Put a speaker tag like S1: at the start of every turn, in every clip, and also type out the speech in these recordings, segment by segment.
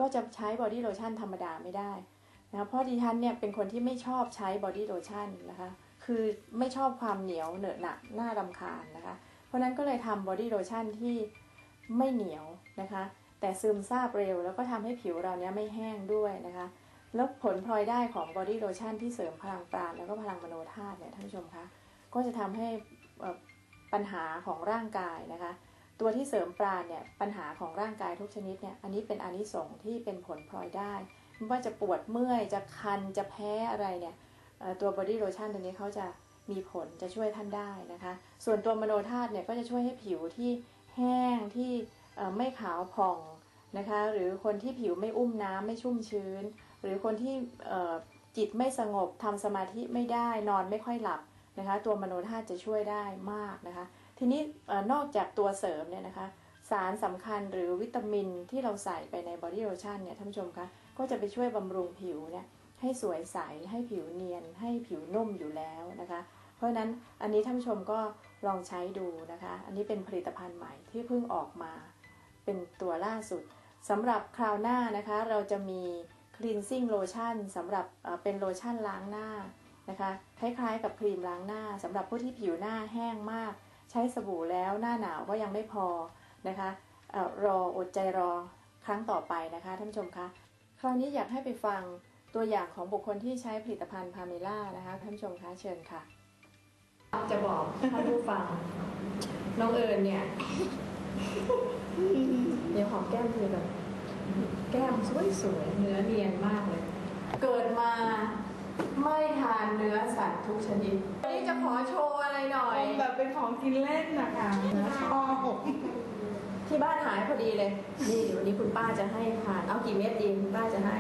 S1: ก็จะใช้บอดี้โลชั่นธรรมดาไม่ได้นะเพราะดิฉันเนี่ยเป็นคนที่ไม่ชอบใช้บอดี้โลชั่นนะคะคือไม่ชอบความเหนียวเหนอะหนะน่ารำคาญนะคะเพราะนั้นก็เลยทำบอดี้โลชั่นที่ไม่เหนียวนะคะแต่ซึมซาบเร็วแล้วก็ทำให้ผิวเราเนี้ยไม่แห้งด้วยนะคะแล้วผลพลอยได้ของบอดี้โลชั่นที่เสริมพลังปราณแล้วก็พลังมโนธาตุเนี่ยท่านผู้ชมคะก็จะทำให้ปัญหาของร่างกายนะคะตัวที่เสริมปราณเนี่ยปัญหาของร่างกายทุกชนิดเนี่ยอันนี้เป็นอานิสงส์ที่เป็นผลพลอยได้ไม่ว่าจะปวดเมื่อยจะคันจะแพ้อะไรเนี่ยตัวบอดี้โลชั่นตัวนี้เขาจะมีผลจะช่วยท่านได้นะคะส่วนตัวมโนธาตุเนี่ยก็จะช่วยให้ผิวที่แห้งที่ไม่ขาวผ่องนะคะหรือคนที่ผิวไม่อุ้มน้ำไม่ชุ่มชื้นหรือคนที่จิตไม่สงบทำสมาธิไม่ได้นอนไม่ค่อยหลับนะคะตัวมโนธาตุจะช่วยได้มากนะคะทีนี้นอกจากตัวเสริมเนี่ยนะคะสารสำคัญหรือวิตามินที่เราใส่ไปในบอดี้โลชั่นเนี่ยท่านผู้ชมคะก็จะไปช่วยบำรุงผิวเนี่ยให้สวยใสให้ผิวเนียนให้ผิวนุ่มอยู่แล้วนะคะเพราะฉะนั้นอันนี้ท่านผู้ชมก็ลองใช้ดูนะคะอันนี้เป็นผลิตภัณฑ์ใหม่ที่เพิ่งออกมาเป็นตัวล่าสุดสำหรับคราวหน้านะคะเราจะมี cleansing lotion สำหรับเป็นโลชั่นล้างหน้านะคะคล้ายๆกับครีมล้างหน้าสำหรับผู้ที่ผิวหน้าแห้งมากใช้สบู่แล้วหน้าหนาวก็ยังไม่พอนะคะรออดใจรอครั้งต่อไปนะคะท่านผู้ชมคะคราวนี้อยากให้ไปฟังตัวอย่างของบุคคลที่ใช้ผลิตภัณฑ์พาเมล่านะคะท่านผู้ชมคะเชิญค่ะจะบอกท่านผู้ฟังน้องเอิญเนี่ยเดี๋ยวหอมแก้มคือแบบแก้มสวยๆเนื้อเนียนมากเลยเกิดมาไม่ทานเนื้อสัตว์ทุกชนิดวันนี้จะขอโชว์อะไรหน่อย
S2: แบบเป็นของกินเล่นนะคะชอบ
S1: ที่บ้านหายพอดีเลยนี่เดี๋ยววันนี้คุณป้าจะให้ทานเอากี่เม็ดดีคุณป้าจะให้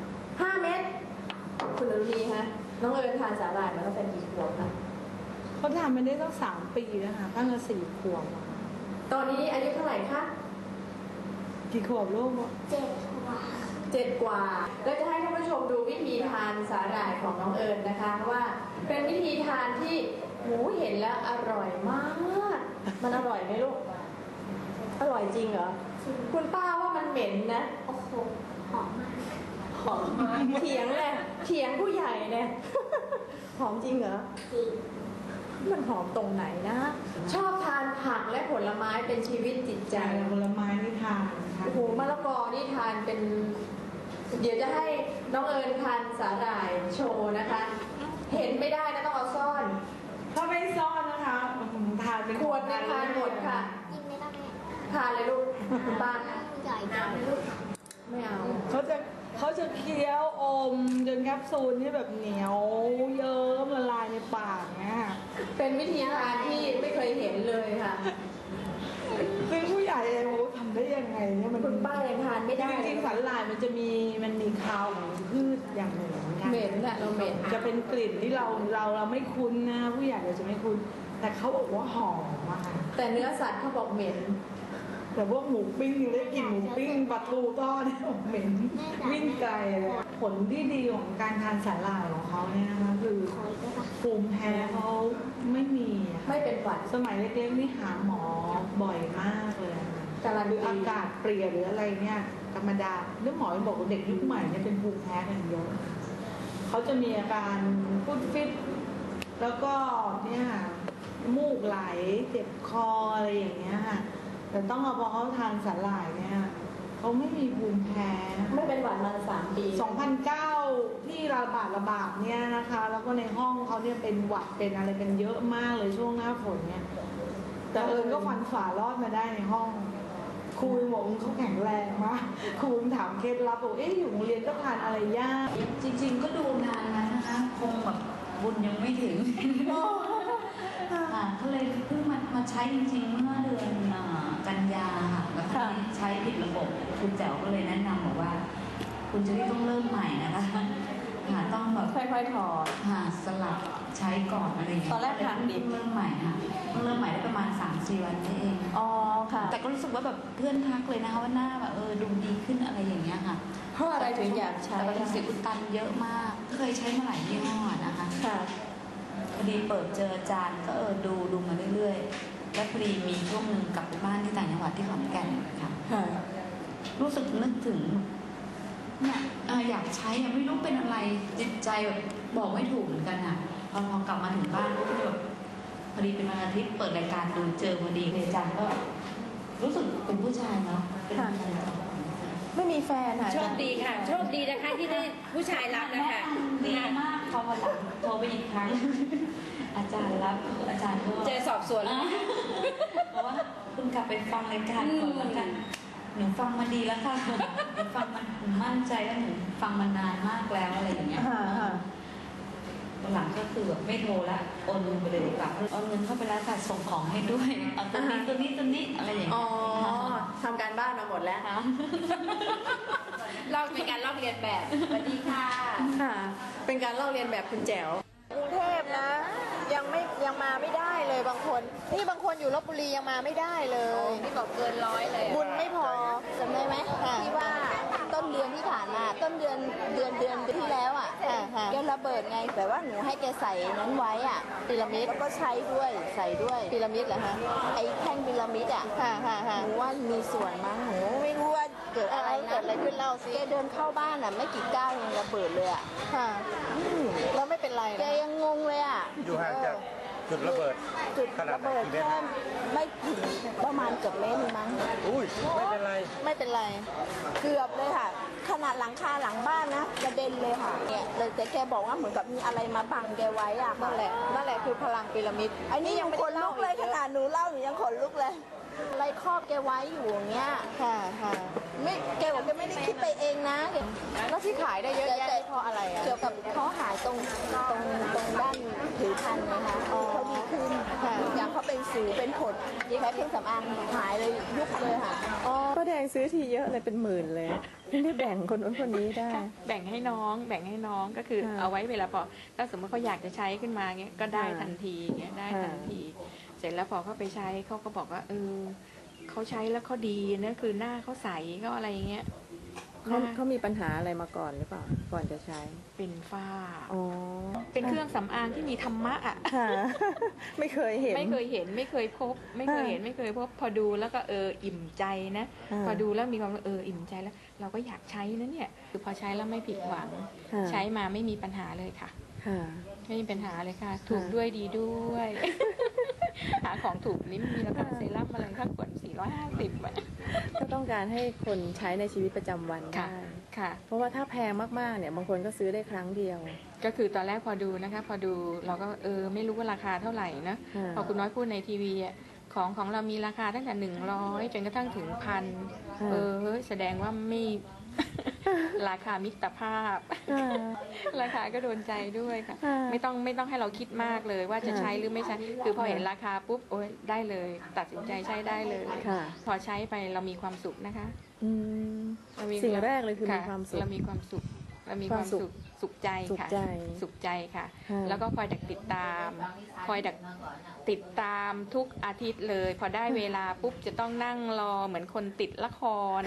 S1: 5 เม็ดคุณอรุณีฮะน้องเอิญทานสาหร่ายมาตั้งแต่กี่ขวบคะ
S2: เขาทำมาได้ตั้ง3 ปีแล้วค่ะตั้งแต่4 ขวบ
S1: ตอนนี้อายุเท่าไหร่คะ
S2: กี่ขวบลูก
S1: 7 กว่าแล้วจะให้ท่านผู้ชมดูวิธีทานสาหร่ายของน้องเอิญนะคะว่าเป็นวิธีทานที่หูเห็นแล้วอร่อยมากมันอร่อยไหมลูกอร่อยจริงเหรอคุณป้าว่ามันเหม็นนะ
S3: โอ้โหหอมมาก
S1: หอมมากเถียงเลยเถียงผู้ใหญ่เนี่ยหอมจริงเหรอ
S3: จริง
S1: มันหอมตรงไหนนะชอบทานผักและผลไม้เป็นชีวิตจิตใจ
S2: ผลไม้นี่ทาน
S1: โอ้โหมะละกอนี่ทานเป็นเดี๋ยวจะให้น้องเอิญทานสาหร่ายโชว์นะคะเห็นไม่ได้นะต้องเอาซ่อน
S2: ถ้าไม่ซ่อนนะคะทานเป็น
S1: ขวดในทานหมดค่ะ
S3: กินไม่ได้
S1: ทานเลยลูกบ้าน
S3: ใหญ่จังเลยลูก
S1: ไม่เอา
S2: เขาจะเคี้ยวอมจนแคปซูลนี่แบบเหนียวเยิ้มละลายในปากเนี่ย
S1: เป็นวิธีทานที่ไม่เคยเห็นเลยค่ะ
S2: ซึ่งผู้ใหญ่เองโอ้ทำได้ยังไงเนี่ยมัน
S1: คุณป้ายังทานไม่ได้
S2: จริงๆสาหร่ายมันมีคาวของพืชอย่างหนึ่ง
S1: เหม็นอะเราเหม็น
S2: จะเป็นกลิ่นที่เราไม่คุ้นนะผู้ใหญ่เราจะไม่คุ้นแต่เขาบอกว่าหอมมาก
S1: แต่เนื้อสัตว์เขาบอกเหม็น
S2: แต่พวกหมูปิ้งได้กลิ่นหมูปิ้งปลาทูทอดเนี่ยเหม็นวิ่งไกลเลยผลที่ดีของการทานสาหร่ายของเขาเนี่ยนะคะคือภูมิแพ้เขาไม่
S1: เป็นหวัด
S2: สมัยเล็กๆนี่หาหมอบ่อยมากเลยหรืออากาศเปลี่ยนหรืออะไรเนี่ยธรรมดาเรื่องหมอบอกว่าเด็กยุคใหม่เนี่ยเป็นภูมิแพ้กันเยอะเขาจะมีอาการฟุดฟิตแล้วก็เนี่ยมูกไหลเจ็บคออะไรอย่างเงี้ยค่ะแต่ต้องเอาพอเขาทานสาหร่ายเนี่ยเขาไม่มีภูมิแพ้
S1: ไม่เป็นหวัดมา3 ปี
S2: 2009ที่ระบาดเนี่ยนะคะแล้วก็ในห้องเขาเนี่ยเป็นหวัดเป็นอะไรเป็นเยอะมากเลยช่วงหน้าฝนเนี่ยแต่เอิญก็ฟันฝ่ารอดมาได้ในห้องครูบอกเขาแข็งแรงมากครูถามเคล็ดลับบอกอยู่โรงเรียนก็ทานอะไรยาก
S4: จริงๆก็ดูนานแล้วนะคะคงแบบบุญยังไม่ถึงก็เลยเพิ่งมาใช้จริงๆเมื่อเดือนกันยาค่ะแล้วก็ใช้ผิดระบบคุณแจ๋วก็เลยแนะนำบอกว่าคุณจะต้องเริ่มใหม่นะคะต้องแบบ
S1: ค่อยๆถอด
S4: สลับใช้ก่อนอะไรอย่างเงี้ย
S1: ตอนแรกทานดิบ
S4: เริ่มใหม่ค่ะเริ่มใหม่ได้ประมาณ3-4 วันนี่เอง
S1: อ๋อค่ะ
S4: แต่ก็รู้สึกว่าแบบเพื่อนทักเลยนะคะว่าหน้าแบบดูดีขึ้นอะไรอย่างเงี้ยค่ะ
S1: เพราะอะไรถึงอยากใช้
S4: แต่เป็นสิวอุดตันเยอะมากเคยใช้มาหลายยี่ห้อนะคะ
S1: ค่ะ
S4: พอดีเปิดเจออาจารย์ก็ดูมาเรื่อยๆแล้วพอดีมีช่วงหนึ่งกลับไปบ้านที่ต่างจังหวัดที่ขอนแก่นค่ะรู้สึกนึกถึงเนี่ยอยากใช้ไม่รู้เป็นอะไรจิตใจแบบบอกไม่ถูกเหมือนกันอ่ะพอกลับมาถึงบ้านก็แบบพอดีเป็นวันอาทิตย์เปิดรายการดูเจอพอดีเลยอาจารย์ก็รู้สึกเป็นผู้ชายเนาะเป็นผู้ชาย
S1: ไม่มีแฟนค่ะ
S5: โชคดีค่ะ โชคดีนะคะที่ได้ผู้ชายรับนะคะ
S4: ดีมากพอวันหลังโทรไปอีกครั้ง อาจารย์รับอาจารย์ก็
S5: เจอสอบสวนแล้ว
S4: เพราะว่าคุณกลับไปฟังรายการก่อนแล้วกันหนูฟังมาดีแล้วค่ะหนูฟังมันหนูมั่นใจแล้วหนูฟังมานานมากแล้วอะไรอย่างเงี้ย วันหลังก็คือแบบไม่โทรละโอนเงินไปเลยดีกว่าโอนเงินเข้าไปแล้วค่ะส่งของให้ด้วยเอาตัวนี้อะไรอย่างเงี้ย
S1: อ๋อทำการบ้านมาหมดแล้ว
S4: ค่ะ
S5: ลอกเป็นการลอกเรียนแบบสวัสดีค่ะ
S1: ค่ะ เป็นการลอกเรียนแบบคุณแจ๋วกรุงเทพนะยังมาไม่ได้เลยบางคนนี่บางคนอยู่ลบบุรียังมาไม่ได้เลย
S5: นี่บอกเกิน100เลย
S1: บุญไม่พอ
S3: จำได้ไหมที่ว่าต้นเดือนที่ผ่านมาต้นเดือนที่แล้วอ่ะแกระเบิดไงแต่ว่าหนูให้แกใส่นั้นไว้อ่ะพีระมิดแล้วก็ใช้ด้วยใส่ด้วยพีระมิดเหรอฮะไอ้แท่งพีระมิดอ่ะหนูว่ามีส่วนมั้งหนูไม่รู้ว่าเกิดอะไรนะเกิดอะไรขึ้นเล่าสิแกเดินเข้าบ้านอ่ะไม่กี่ก้าวยังระเบิดเลยอ่ะแล้วไม่เป็นไรแกยังงงเลยอ่ะ
S6: อยู่ห่างจากจุดระเบิด
S3: จุด
S6: ขนาด
S3: ระ
S6: ไหน
S3: เบิด
S6: กี่เมตร
S3: แค่ไม่ถึงประมาณเกือบเมตรนึงมั้ง
S6: อุ้ยไม่เป็นไร
S3: ไม่เป็นไรเกือบเลยค่ะ ขนาดหลังคาหลังบ้านนะกระเด็นเลยค่ะเนี่ยแต่แกบอกว่าเหมือนกับมีอะไรมาบังแกไว้อะค่ะ
S1: นั่นแหละคือพลังพีระมิด
S3: อันนี้ยังขนลุกเลยขนาดหนูเล่าหนูยังขนลุกเลยอะไรครอบแกไว้อยู่อย่างเงี้ยไม่แกบอกแกไม่ได้คิดไปเองนะ
S1: แล้วที่ขายได้เยอะแยะนี่เพราะอะไรอ่ะ
S3: เกี่ยวกับเขาหายตรงด้านผิวพรรณนะคะเขาดีขึ้นอย่างเขาเป็นสิวเป็นผดแพ้เครื่องสำอางหายเลยยุบเลยค่ะ
S1: อ๋อป้าแดงซื้อทีเยอะเลยเป็นหมื่นเลยไม่ได้แบ่งคนนู้นคนนี้ได้
S7: แบ่งให้น้องก็คือ
S1: ค่ะ
S7: เอาไว้เวลาพอถ้าสมมติเขาอยากจะใช้ขึ้นมาเงี้ยก็ได้
S1: ค่ะ
S7: ทันทีเงี้ยได้
S1: ค่ะ
S7: ทันที เสร็จแล้วพอเขาไปใช้เขาก็บอกว่าเขาใช้แล้วเขาดีนะคือหน้าเขาใสเขาอะไรเงี้ยหน้า
S1: เขามีปัญหาอะไรมาก่อนหรือเปล่าก่อนจะใช้
S7: เป็นฝ้า
S1: อ๋อ
S7: เป็นเครื่องสำอางที่มีธรรมะอ่ะ
S1: ค่ะ ไม่เคยเห็น
S7: ไม่เคยเห็นไม่เคยพบ ไม่เคยเห็นไม่เคยพบ พอดูแล้วก็อิ่มใจนะ พอดูแล้วมีความอิ่มใจแล้ว เราก็อยากใช้นะเนี่ยคือพอใช้แล้วไม่ผิดหวัง
S1: ค่ะ
S7: ใช้มาไม่มีปัญหาเลยค่ะ
S1: ค่ะ
S7: ไม่มีปัญหาเลยค่ะ ถูกด้วยดีด้วย หาของถูกนี่มีราคาเซรั่มอะไรค่าขวด450อ่ะ
S1: ก็ต้องการให้คนใช้ในชีวิตประจำวัน
S7: ค่ะ
S1: ได้
S7: ค่ะ
S1: เพราะว่าถ้าแพงมากๆเนี่ยบางคนก็ซื้อได้ครั้งเดียว
S7: ก็คือตอนแรกพอดูนะคะพอดูเราก็ไม่รู้ว่าราคาเท่าไหร่นะ
S1: ค่ะ
S7: พอคุณน้อยพูดในทีวีอ่ะของเรามีราคาตั้งแต่100จนกระทั่งถึง1,000
S1: ค่ะ
S7: เฮ้ยแสดงว่าไม่ ราคามิตรภาพ
S1: ค่ะ
S7: ราคาก็โดนใจด้วยค่ะ
S1: ค่ะ
S7: ไม่ต้องให้เราคิดมากเลยว่าจะใช้หรือไม่ใช้ คือพอเห็นราคาปุ๊บโอ๊ยได้เลย ตัดสินใจใช้ได้เลย
S1: ค่ะ
S7: พอใช้ไปเรามีความสุขนะคะ
S1: อืม
S7: เรามี
S1: สิ่งแรกเลยคือมีความสุข
S7: เรามีความสุขเรามีความ
S1: ความสุ
S7: สุ
S1: ข
S7: ขสุขใจ
S1: สุข
S7: ค่ะ
S1: ใจ
S7: สุขใจค่ะ
S1: ค่ะ
S7: แล้วก็คอยดักติดตาม คอยดักติดตามทุกอาทิตย์เลย พอได้เวลาปุ๊บจะต้องนั่งรอเหมือนคนติดละคร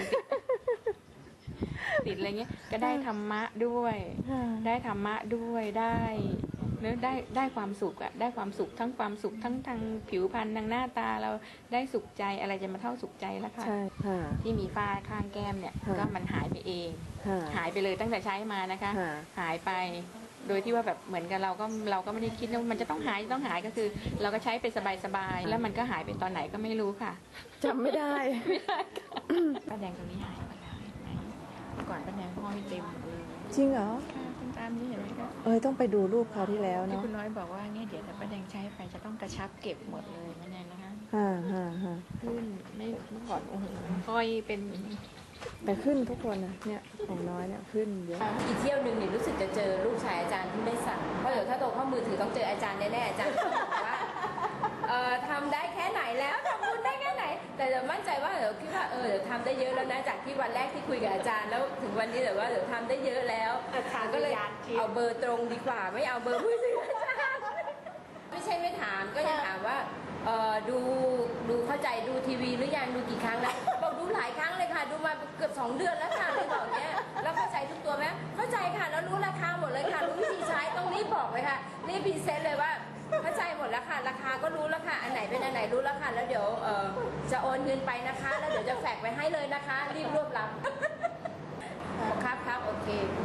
S7: ติดอะไรเงี้ยก็ได้ธรรมะด้วย
S1: ค่ะ
S7: ได้ธรรมะด้วยได้เนื้อได้ความสุขอะได้ความสุขทั้งความสุขทั้งทางผิวพรรณทางหน้าตาเราได้สุขใจอะไรจะมาเท่าสุขใจแล้วค่ะ
S1: ใช่ค่ะ
S7: ที่มีฝ้าข้างแก้มเนี่ย
S1: ค่ะ
S7: ก็มันหายไปเอง
S1: ค่ะ
S7: หายไปเลยตั้งแต่ใช้มานะคะ
S1: ค่ะ
S7: หายไปโดยที่ว่าแบบเหมือนกับเราก็ไม่ได้คิดว่ามันจะต้องหายก็คือ เราก็ใช้ไปสบายๆแล้วมันก็หายไปตอนไหนก็ไม่รู้ค่ะ
S1: จำไม่ได้
S7: ป้าแดงตรงนี้หายไปแล้วเห็นไหมเมื่อก่อนป้าแดงห้อยเต็มเลย
S1: จริงเหรอ
S7: ค่ะตามนี้เห็นไหมคะ
S1: ต้องไปดูรูปคราวที่แล้ว
S7: ที่
S1: เนาะ
S7: คุณน้อยบอกว่าเนี่ยเดี๋ยวถ้าป้าแดงใช้ไปจะต้องกระชับเก็บหมดเลยนั่นเองนะคะ
S1: ค่ะ
S7: ขึ้นไม่เมื่อก่อนโอ้โหห้อยเป็น
S1: แต่ขึ้นทุกคนนะเนี่ยของน้อยเนี่ยขึ้นเยอะ
S5: อีกเที่ยวหนึ่งนี่รู้สึกจะเจอลูกชายอาจารย์ที่ไม่สั่งเพราะเดี๋ยวถ้าโตเข้ามือถือต้องเจออาจารย์แน่ๆอาจารย์ต้องบอกว่าทำได้แค่ไหนแล้วทำบุญได้แค่ไหน แต่เดี๋ยวมั่นใจว่าเดี๋ยวคิดว่าเดี๋ยวทำได้เยอะแล้วนะจากที่วันแรกที่คุยกับอาจารย์แล้วถึงวันนี้เดี๋ยวว่าเดี๋ยวทำได้เยอะแล้วก็เลยเอาเบอร์ตรงดีกว่าไม่เอาเบอร์ผู้สื่ออาจารย์ไม่ใช่ไม่ถามก็ยังถามว่าดูเข้าใจดูทีวีหรือยังดูกี่ครั้งแล้วบอกดูหลายครั้งเลยค่ะดูมาเกือบ2 เดือนแล้วค่ะเลยบอกเนี้ยแล้วเข้าใจทุกตัวไหมเข้าใจค่ะแล้วรู้ราคาหมดเลยค่ะรู้วิธีใช้ต้องรีบบอกเลยค่ะรีบพรีเซนต์เลยว่าเข้าใจหมดแล้วค่ะราคาก็รู้แล้วค่ะอันไหนเป็นอันไหนรู้แล้วค่ะแล้วเดี๋ยวจะโอนเงินไปนะคะ แล้วเดี๋ยวจะแฝกไปให้เลยนะคะ รีบรวบรับครับโอ
S3: ม